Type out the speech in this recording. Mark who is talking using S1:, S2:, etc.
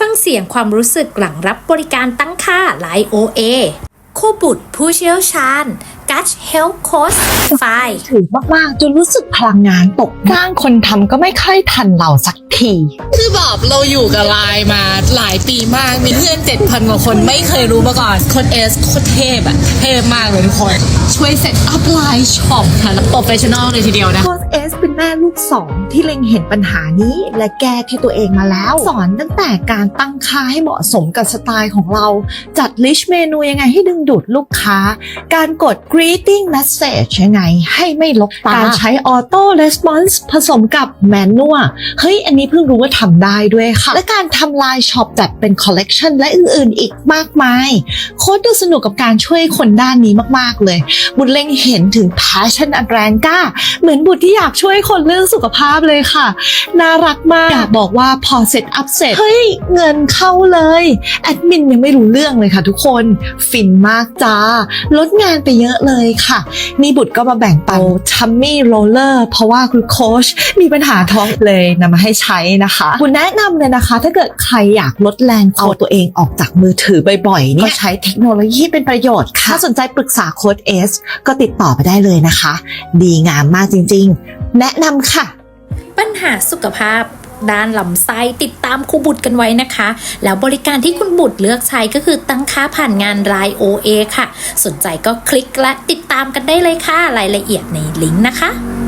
S1: ฟังเสียงความรู้สึกหลังรับบริการตั้งค่า Line OA คู่บุตรผู้เชี่ยวชาญ Gush Health Coach
S2: ถือมากๆจนรู้สึกพลังงานตกจ้างคนทำก็ไม่ค่อยทันเราสักที
S3: คือแบบเราอยู่กับไลน์มาหลายปีมากมีเพื่อน 7,000 กว่าคนไม่เคยรู้มาก่อนโค้ดเอสโคตรเทพอะเทพมากเลยทุกคนช่วยเซตอัพไลน์ช็อปค่ะแล้วโปรเฟชชั่นอลเลยทีเดียวนะ
S2: โค้ชเอสเป็นแม่ลูกสองที่เล็งเห็นปัญหานี้และแก้ที่ตัวเองมาแล้ว สอนตั้งแต่การตั้งค่าให้เหมาะสมกับสไตล์ของเราจัดลิสต์เมนูยังไงให้ดึงดูดลูกค้าการกด greeting message ยังไงให้ไม่ลกตาการใช้ auto response ผสมกับ manual เฮ้ยอันนี้เพิ่งรู้ว่าทำได้ด้วยค่ะและการทำลายช็อปจัดเป็น collection และอื่นๆอีกมากมายโค้ชดูสนุกกับการช่วยคนด้านนี้มากๆเลยบุญเล็งเห็นถึง passion อันแรงกล้าเหมือนบุตรที่อยากช่วยคนเรื่องสุขภาพเลยค่ะน่ารักมากอยากบอกว่าพอเสร็จอัพเสร็จเฮ้ยเงินเข้าเลยแอดมินยังไม่รู้เรื่องเลยค่ะทุกคนฟินมากจ้าลดงานไปเยอะเลยค่ะนี่บุตรก็มาแบ่งปันทัมมี่โรลเลอร์เพราะว่าคุณโค้ชมีปัญหาท้องเลยนำมาให้ใช้นะคะบุญแนะนำเลยนะคะถ้าเกิดใครอยากลดแรงเอาตัวเองออกจากมือถือบ่อยๆเนี่ยก็ใช้เทคโนโลยีเป็นประโยชน์ค่ะถ้าสนใจปรึกษาโค้ชเอสก็ติดต่อไปได้เลยนะคะดีงามมากจริงๆแนะนำค่ะ
S1: ปัญหาสุขภาพด้านลำไส้ติดตามครูบุตรกันไว้นะคะแล้วบริการที่คุณบุตรเลือกใช้ก็คือตั้งค่าผ่านงาน Line OA ค่ะสนใจก็คลิกและติดตามกันได้เลยค่ะรายละเอียดในลิงก์นะคะ